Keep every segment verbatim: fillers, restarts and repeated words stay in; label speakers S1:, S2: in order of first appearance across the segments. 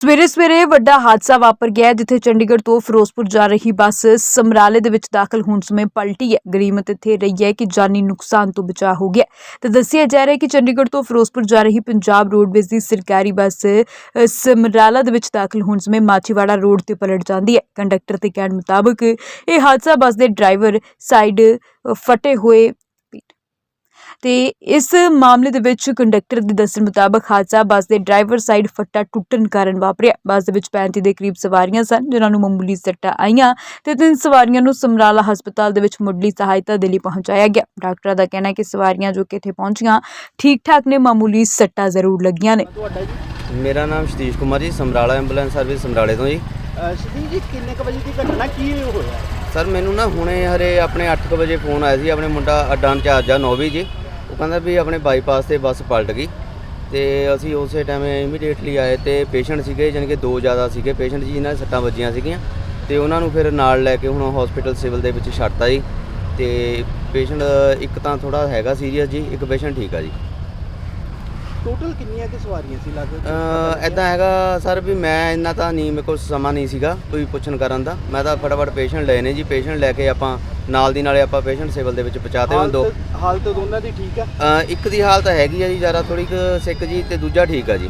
S1: ਸਵੇਰੇ ਸਵੇਰੇ ਵੱਡਾ ਹਾਦਸਾ ਵਾਪਰ ਗਿਆ ਜਿੱਥੇ ਚੰਡੀਗੜ੍ਹ ਤੋਂ ਫਿਰੋਜ਼ਪੁਰ ਜਾ ਰਹੀ ਬੱਸ ਸਮਰਾਲੇ ਦੇ ਵਿੱਚ ਦਾਖਲ ਹੋਣ ਸਮੇਂ ਪਲਟੀ ਹੈ। ਗਰੀਮਤ ਇੱਥੇ ਰਹੀ ਹੈ ਕਿ ਜਾਨੀ ਨੁਕਸਾਨ ਤੋਂ ਬਚਾਅ ਹੋ ਗਿਆ ਤੇ ਦੱਸਿਆ ਜਾ ਰਿਹਾ ਹੈ ਕਿ ਚੰਡੀਗੜ੍ਹ ਤੋਂ ਫਿਰੋਜ਼ਪੁਰ ਜਾ ਰਹੀ ਪੰਜਾਬ ਰੋਡਵੇਜ਼ ਦੀ ਸਰਕਾਰੀ ਬੱਸ ਅ, ਸਮਰਾਲਾ ਦੇ ਵਿੱਚ ਦਾਖਲ ਹੋਣ ਸਮੇਂ ਮਾਚੀਵਾੜਾ ਰੋਡ ਤੇ ਪਲਟ ਜਾਂਦੀ ਹੈ। ਕੰਡਕਟਰ ਦੇ ਕਹਿਣ ਮੁਤਾਬਕ ਇਹ ਹਾਦਸਾ ਬੱਸ ਦੇ ਡਰਾਈਵਰ ਸਾਈਡ ਅ, ਫਟੇ ਹੋਏ ਤੇ ਇਸ ਮਾਮਲੇ ਦੇ ਵਿੱਚ ਕੰਡਕਟਰ ਦੇ ਦੱਸਣ ਮੁਤਾਬਕ ਹਾਦਸਾ ਬੱਸ ਦੇ ਡਰਾਈਵਰ ਸਾਈਡ ਫੱਟਾ ਟੁੱਟਣ ਕਾਰਨ ਵਾਪਰਿਆ। ਬੱਸ ਦੇ ਵਿੱਚ ਪੈਂਤੀ ਦੇ ਕਰੀਬ ਸਵਾਰੀਆਂ ਸਨ ਜਿਨ੍ਹਾਂ ਨੂੰ ਮਾਮੂਲੀ ਸੱਟਾਂ ਆਈਆਂ ਤੇ ਤਿੰਨ ਸਵਾਰੀਆਂ ਨੂੰ ਸਮਰਾਲਾ ਹਸਪਤਾਲ ਦੇ ਵਿੱਚ ਮੁੱਢਲੀ ਸਹਾਇਤਾ ਦੇ ਲਈ ਪਹੁੰਚਾਇਆ ਗਿਆ। ਡਾਕਟਰਾਂ ਦਾ ਕਹਿਣਾ ਹੈ ਕਿ ਸਵਾਰੀਆਂ ਜੋ ਕਿ ਇੱਥੇ ਪਹੁੰਚੀਆਂ ਠੀਕ ਠਾਕ ਨੇ, ਮਾਮੂਲੀ ਸੱਟਾਂ ਜ਼ਰੂਰ ਲੱਗੀਆਂ ਨੇ।
S2: मेरा नाम सतीश कुमार जी, समराला एंबूलेंस सर्विस समराले तो जी।
S3: ਸਤੀਸ਼ ਜੀ ਕਿੰਨੇ ਕੁ ਵਜੇ ਦੀ ਘਟਨਾ ਕੀ ਹੋਇਆ?
S2: सर मैनू ना हुणे हरे अपने अठ क बजे फोन आया सी, अपने मुंडा अड्डा इंचार्ज आ नौवीं जी, वो कहंदा भी अपने बाईपास से बस पलट गई तो असी उस टाइम इमीडिएटली आए तो पेशेंट सीगे जानी कि दो ज़्यादा सीगे पेशेंट जी, जिन्हां सट्टां वजीआं सीगीआं ते उन्हां नूं फिर नाल लैके हुण हॉस्पिटल सिविल दे विच छड्डता जी। ते पेशेंट एक तां थोड़ा हैगा सीरीयस जी, एक पेशेंट ठीक है जी।
S3: ਟੋਟਲ ਕਿੰਨੀਆਂ ਕਿ ਸਵਾਰੀਆਂ ਸੀ ਲੱਗਦਾ?
S2: ਇੱਦਾਂ ਹੈਗਾ ਸਰ ਵੀ ਮੈਂ ਇੰਨਾ ਤਾਂ ਨਹੀਂ, ਮੇਰੇ ਕੋਲ ਸਮਾਂ ਨਹੀਂ ਸੀਗਾ ਕੋਈ ਪੁੱਛਣ ਕਰਨ ਦਾ। ਮੈਂ ਤਾਂ ਫਟਾਫਟ ਪੇਸ਼ੈਂਟ ਲਏ ਨੇ ਜੀ, ਪੇਸ਼ੈਂਟ ਲੈ ਕੇ ਆਪਾਂ ਨਾਲ ਦੀ ਨਾਲੇ ਆਪਾਂ ਪੇਸ਼ੈਂਟ ਸਿਵਲ ਦੇ ਵਿੱਚ ਪਹੁੰਚਾਤੇ ਹੋਏ। ਦੋ
S3: ਹਾਲਤ ਦੋਨਾਂ ਦੀ ਠੀਕ ਆ?
S2: ਇੱਕ ਦੀ ਹਾਲਤ ਹੈਗੀ ਆ ਜੀ ਜ਼ਿਆਦਾ ਥੋੜੀ ਕੁ ਸਿੱਕ ਜੀ, ਤੇ ਦੂਜਾ ਠੀਕ ਆ ਜੀ।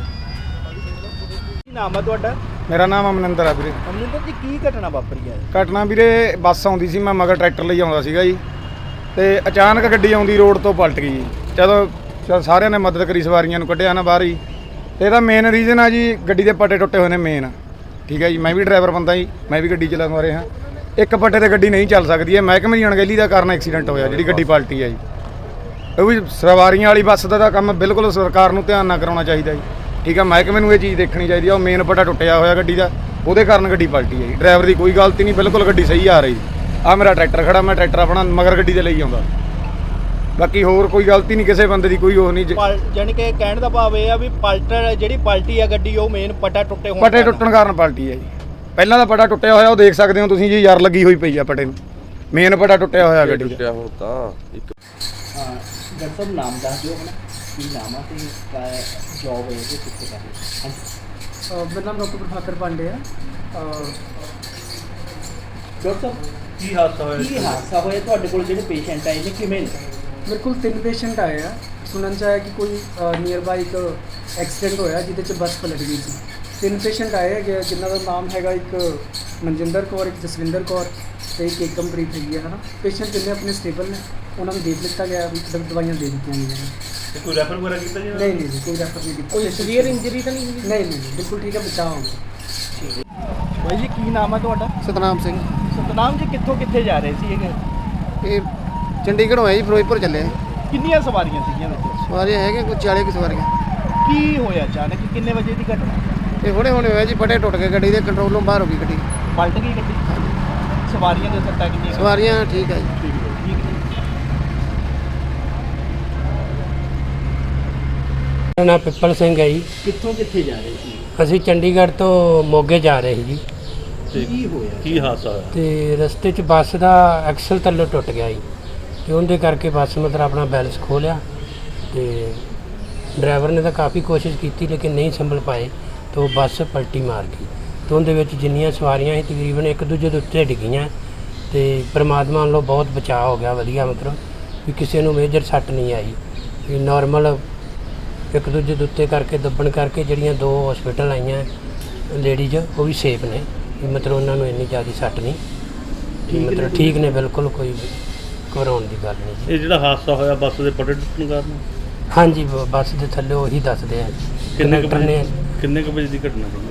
S3: ਕੀ ਨਾਮ ਆ ਤੁਹਾਡਾ?
S4: ਮੇਰਾ ਨਾਮ ਅਮਨਿੰਦਰ ਆ ਵੀਰੇ।
S3: ਅਮਰਿੰਦਰ ਜੀ ਕੀ ਘਟਨਾ ਵਾਪਰੀ ਹੈ?
S4: ਘਟਨਾ ਵੀਰੇ ਬੱਸ ਆਉਂਦੀ ਸੀ, ਮੈਂ ਮਗਰ ਟਰੈਕਟਰ ਲਈ ਆਉਂਦਾ ਸੀਗਾ ਜੀ ਤੇ ਅਚਾਨਕ ਗੱਡੀ ਆਉਂਦੀ ਰੋਡ ਤੋਂ ਪਲਟ ਗਈ ਜੀ। ਜਦੋਂ ਚਲ ਸਾਰਿਆਂ ਨੇ ਮਦਦ ਕਰੀ, ਸਵਾਰੀਆਂ ਨੂੰ ਕੱਢਿਆ ਨਾ ਬਾਹਰ ਹੀ। ਤੇ ਇਹਦਾ ਮੇਨ ਰੀਜ਼ਨ ਆ ਜੀ ਗੱਡੀ ਦੇ ਪੱਟੇ ਟੁੱਟੇ ਹੋਏ ਨੇ ਮੇਨ, ਠੀਕ ਹੈ ਜੀ। ਮੈਂ ਵੀ ਡਰਾਈਵਰ ਬੰਦਾ ਜੀ, ਮੈਂ ਵੀ ਗੱਡੀ ਚਲਾਉਣ ਵਾਲੇ ਹਾਂ। ਇੱਕ ਪੱਟੇ ਤੇ ਗੱਡੀ ਨਹੀਂ ਚੱਲ ਸਕਦੀ ਹੈ, ਮਹਿਕਮੇ ਦੀ ਅਣਗਹਿਲੀ ਦਾ ਕਾਰਨ ਐਕਸੀਡੈਂਟ ਹੋਇਆ ਜਿਹੜੀ ਗੱਡੀ ਪਲਟੀ ਹੈ ਜੀ। ਉਹ ਵੀ ਸਵਾਰੀਆਂ ਵਾਲੀ ਬੱਸ ਦਾ ਤਾਂ ਕੰਮ ਬਿਲਕੁਲ ਸਰਕਾਰ ਨੂੰ ਧਿਆਨ ਨਾਲ ਕਰਾਉਣਾ ਚਾਹੀਦਾ ਜੀ, ਠੀਕ ਹੈ। ਮਹਿਕਮੇ ਨੂੰ ਇਹ ਚੀਜ਼ ਦੇਖਣੀ ਚਾਹੀਦੀ ਆ। ਉਹ ਮੇਨ ਪੱਟਾ ਟੁੱਟਿਆ ਹੋਇਆ ਗੱਡੀ ਦਾ, ਉਹਦੇ ਕਾਰਨ ਗੱਡੀ ਪਲਟੀ ਹੈ ਜੀ। ਡਰਾਈਵਰ ਦੀ ਕੋਈ ਗਲਤੀ ਨਹੀਂ, ਬਿਲਕੁਲ ਗੱਡੀ ਸਹੀ ਆ ਰਹੀ। ਆ ਮੇਰਾ ਟਰੈਕਟਰ ਖੜਾ, ਮੈਂ ਟਰੈਕਟਰ ਆਪਣਾ ਮਗਰ ਗੱਡੀ ਦੇ ਲਈ ਆਉਂਦਾ, ਬਾਕੀ ਹੋਰ ਕੋਈ ਗਲਤੀ ਨਹੀਂ ਕਿਸੇ ਬੰਦੇ ਦੀ, ਕੋਈ ਉਹ ਨਹੀਂ।
S3: ਯਾਨੀ ਕਿ ਕਹਿਣ ਦਾ ਭਾਵ ਇਹ ਆ ਵੀ ਪਲਟਰ ਜਿਹੜੀ ਪਲਟੀ ਆ ਗੱਡੀ ਉਹ ਮੇਨ ਪੱਟਾ ਟੁੱਟੇ ਹੋਣ
S4: ਪੱਟੇ ਟੁੱਟਣ ਕਾਰਨ ਪਲਟੀ ਹੈ ਜੀ। ਪਹਿਲਾਂ ਦਾ ਪੱਟਾ ਟੁੱਟਿਆ ਹੋਇਆ ਉਹ ਦੇਖ ਸਕਦੇ ਹੋ ਤੁਸੀਂ ਜੀ, ਯਾਰ ਲੱਗੀ ਹੋਈ ਪਈ ਆ ਪੱਟੇ ਨੂੰ। ਮੇਨ ਪੱਟਾ ਟੁੱਟਿਆ ਹੋਇਆ ਗੱਡੀ ਦਾ।
S2: ਹੁਣ ਤਾਂ ਇੱਕ
S3: ਹਾਂ ਡਾਕਟਰ ਸਾਹਿਬ ਨਾਮ ਦੱਸ ਦਿਓ ਆਪਣਾ, ਕੀ ਨਾਮ ਆ ਤੇ ਜੌਬ ਹੈ ਤੇ ਕਿੱਥੇ ਕਰ ਰਹੇ? ਹਾਂਜੀ
S5: ਮੇਰਾ ਨਾਮ ਡਾਕਟਰ ਪ੍ਰਭਾਕਰ ਪਾਂਡੇ ਆ।
S3: ਡਾਕਟਰ ਸਾਹਿਬ
S5: ਕੀ ਹਾਦਸਾ ਹੋਇਆ?
S3: ਕੀ ਹਾਦਸਾ ਹੋਇਆ ਤੁਹਾਡੇ ਕੋਲ? ਜਿਹੜੇ ਪੇਸ਼ੈਂਟ ਆਏ ਨੇ ਕਿਵੇਂ ਨੇ?
S5: ਮੇਰੇ ਕੋਲ ਤਿੰਨ ਪੇਸ਼ੈਂਟ ਆਏ ਆ। ਸੁਣਨ 'ਚ ਆਇਆ ਕਿ ਕੋਈ ਨੀਅਰ ਬਾਈ ਇੱਕ ਐਕਸੀਡੈਂਟ ਹੋਇਆ ਜਿਹਦੇ 'ਚ ਬੱਸ ਪਲਟ ਗਈ ਸੀ। ਤਿੰਨ ਪੇਸ਼ੈਂਟ ਆਏ ਹੈਗੇ ਜਿਨ੍ਹਾਂ ਦਾ ਨਾਮ ਹੈਗਾ, ਇੱਕ ਮਨਜਿੰਦਰ ਕੌਰ, ਇੱਕ ਜਸਵਿੰਦਰ ਕੌਰ ਤੇ ਇੱਕ ਏਕਮਪ੍ਰੀਤ ਹੈਗੀ ਹੈ, ਹੈ ਨਾ। ਪੇਸ਼ੈਂਟ ਜਿੰਨੇ ਆਪਣੇ ਸਟੇਬਲ ਨੇ, ਉਹਨਾਂ ਨੂੰ ਦੇਖ ਲਿੱਤਾ ਗਿਆ, ਮਤਲਬ ਦਵਾਈਆਂ ਦੇ ਦਿੱਤੀਆਂ ਗਈਆਂ ਨੇ।
S6: ਕੋਈ ਰੈਫਰ ਵਗੈਰਾ ਕੀਤਾ ਜੀ?
S5: ਨਹੀਂ ਨਹੀਂ ਜੀ, ਕੋਈ ਰੈਫਰ ਨਹੀਂ ਕੀਤਾ।
S3: ਕੋਈ ਸੀਵੀਅਰ ਇੰਜਰੀ ਤਾਂ ਨਹੀਂ ਹੋਈ?
S5: ਨਹੀਂ ਨਹੀਂ, ਬਿਲਕੁਲ ਠੀਕ ਹੈ, ਬਚਾਅ ਹੋ ਗਿਆ।
S3: ਬਾਈ ਜੀ ਕੀ ਨਾਮ ਆ ਤੁਹਾਡਾ?
S7: ਸਤਨਾਮ ਸਿੰਘ।
S3: ਸਤਨਾਮ ਜੀ ਕਿੱਥੋਂ ਕਿੱਥੇ ਜਾ ਰਹੇ ਸੀ ਇਹ?
S7: ਇਹ ਚੰਡੀਗੜ੍ਹੋਂ ਆਏ ਜੀ, ਫਿਰੋਜ਼ਪੁਰ ਚੱਲੇ।
S3: ਕਿੰਨੀਆਂ ਸਵਾਰੀਆਂ ਸੀਗੀਆਂ ਵਿੱਚ?
S7: ਸਵਾਰੀਆਂ ਹੈਗੀਆਂ ਕੋਈ ਚਾਲੀ ਕੁ ਸਵਾਰੀਆਂ।
S3: ਕੀ ਹੋਇਆ ਅਚਾਨਕ? ਕਿੰਨੇ ਵਜੇ ਦੀ ਘਟਨਾ?
S7: ਇਹ ਹੁਣੇ ਹੁਣੇ ਹੋਇਆ ਜੀ, ਪੱਟੇ ਟੁੱਟ ਗਏ ਗੱਡੀ ਦੇ, ਕੰਟਰੋਲੋਂ ਬਾਹਰ ਹੋ ਗਈ ਗੱਡੀ।
S3: ਪਲਟ ਗਈ ਗੱਡੀ? ਸਵਾਰੀਆਂ ਦੇ ਸੱਟਾਂ ਕਿੰਨੀਆਂ?
S7: ਸਵਾਰੀਆਂ ਠੀਕ ਹੈ ਜੀ।
S3: ਠੀਕ ਹੈ ਠੀਕ ਹੈ।
S8: ਮੇਰਾ ਨਾਮ ਪਿੱਪਲ ਸਿੰਘ ਹੈ ਜੀ।
S3: ਕਿੱਥੋਂ ਕਿੱਥੇ ਜਾ ਰਹੇ ਸੀ?
S8: ਅਸੀਂ ਚੰਡੀਗੜ੍ਹ ਤੋਂ ਮੋਗੇ ਜਾ ਰਹੇ ਸੀ ਜੀ।
S3: ਕੀ ਹੋਇਆ?
S6: ਕੀ ਹਾਦਸਾ ਹੋਇਆ?
S8: ਤੇ ਰਸਤੇ 'ਚ ਬੱਸ ਦਾ ਐਕਸਲ ਥੱਲੇ ਟੁੱਟ ਗਿਆ ਜੀ, ਤੇ ਉਹਦੇ ਕਰਕੇ ਬੱਸ ਮਤਲਬ ਆਪਣਾ ਬੈਲੈਂਸ ਖੋਹ ਲਿਆ। ਤੇ ਡਰਾਈਵਰ ਨੇ ਤਾਂ ਕਾਫੀ ਕੋਸ਼ਿਸ਼ ਕੀਤੀ ਲੇਕਿਨ ਨਹੀਂ ਸੰਭਲ ਪਾਏ, ਤਾਂ ਉਹ ਬੱਸ ਪਲਟੀ ਮਾਰ ਗਈ। ਤੇ ਉਹਦੇ ਵਿੱਚ ਜਿੰਨੀਆਂ ਸਵਾਰੀਆਂ ਸੀ ਤਕਰੀਬਨ ਇੱਕ ਦੂਜੇ ਦੇ ਉੱਤੇ ਡਿੱਗੀਆਂ। ਤੇ ਪਰਮਾਤਮਾ ਵੱਲੋਂ ਬਹੁਤ ਬਚਾਅ ਹੋ ਗਿਆ, ਵਧੀਆ, ਮਤਲਬ ਵੀ ਕਿਸੇ ਨੂੰ ਮੇਜਰ ਸੱਟ ਨਹੀਂ ਆਈ। ਵੀ ਨੋਰਮਲ ਇੱਕ ਦੂਜੇ ਦੇ ਉੱਤੇ ਕਰਕੇ ਦੱਬਣ ਕਰਕੇ ਜਿਹੜੀਆਂ ਦੋ ਹਸਪੀਟਲ ਆਈਆਂ ਲੇਡੀਜ਼, ਉਹ ਵੀ ਸੇਫ ਨੇ, ਮਤਲਬ ਉਹਨਾਂ ਨੂੰ ਇੰਨੀ ਜ਼ਿਆਦਾ ਸੱਟ ਨਹੀਂ, ਮਤਲਬ ਠੀਕ ਨੇ ਬਿਲਕੁਲ, ਕੋਈ ਘਬਰਾਉਣ ਦੀ ਗੱਲ ਨਹੀਂ ਜੀ।
S6: ਇਹ ਜਿਹੜਾ ਹਾਦਸਾ ਹੋਇਆ ਬੱਸ ਦੇ ਪੱਟੇ ਟੁੱਟਣ ਕਾਰਨ?
S8: ਹਾਂਜੀ, ਬ- ਬੱਸ ਦੇ ਥੱਲੇ ਉਹੀ ਦੱਸਦੇ ਆ
S6: ਕਿੰਨੇ ਕੁ
S8: ਕੰਡਕਟਰ ਨੇ।
S6: ਵਜੇ ਕਿੰਨੇ ਕੁ ਵਜੇ ਦੀ ਘਟਨਾ ਸੀ?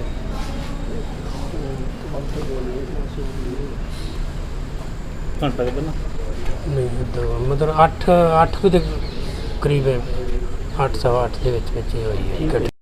S6: ਘੰਟਾ ਕੁ ਪਹਿਲਾਂ?
S8: ਨਹੀਂ ਦੋ ਮਤਲਬ ਅੱਠ ਅੱਠ ਕੁ ਦੇ ਕਰੀਬ, ਅੱਠ ਸਵਾ ਅੱਠ ਦੇ ਵਿੱਚ ਵਿੱਚ ਹੀ ਹੋਈ ਹੈ ਘਟਨਾ।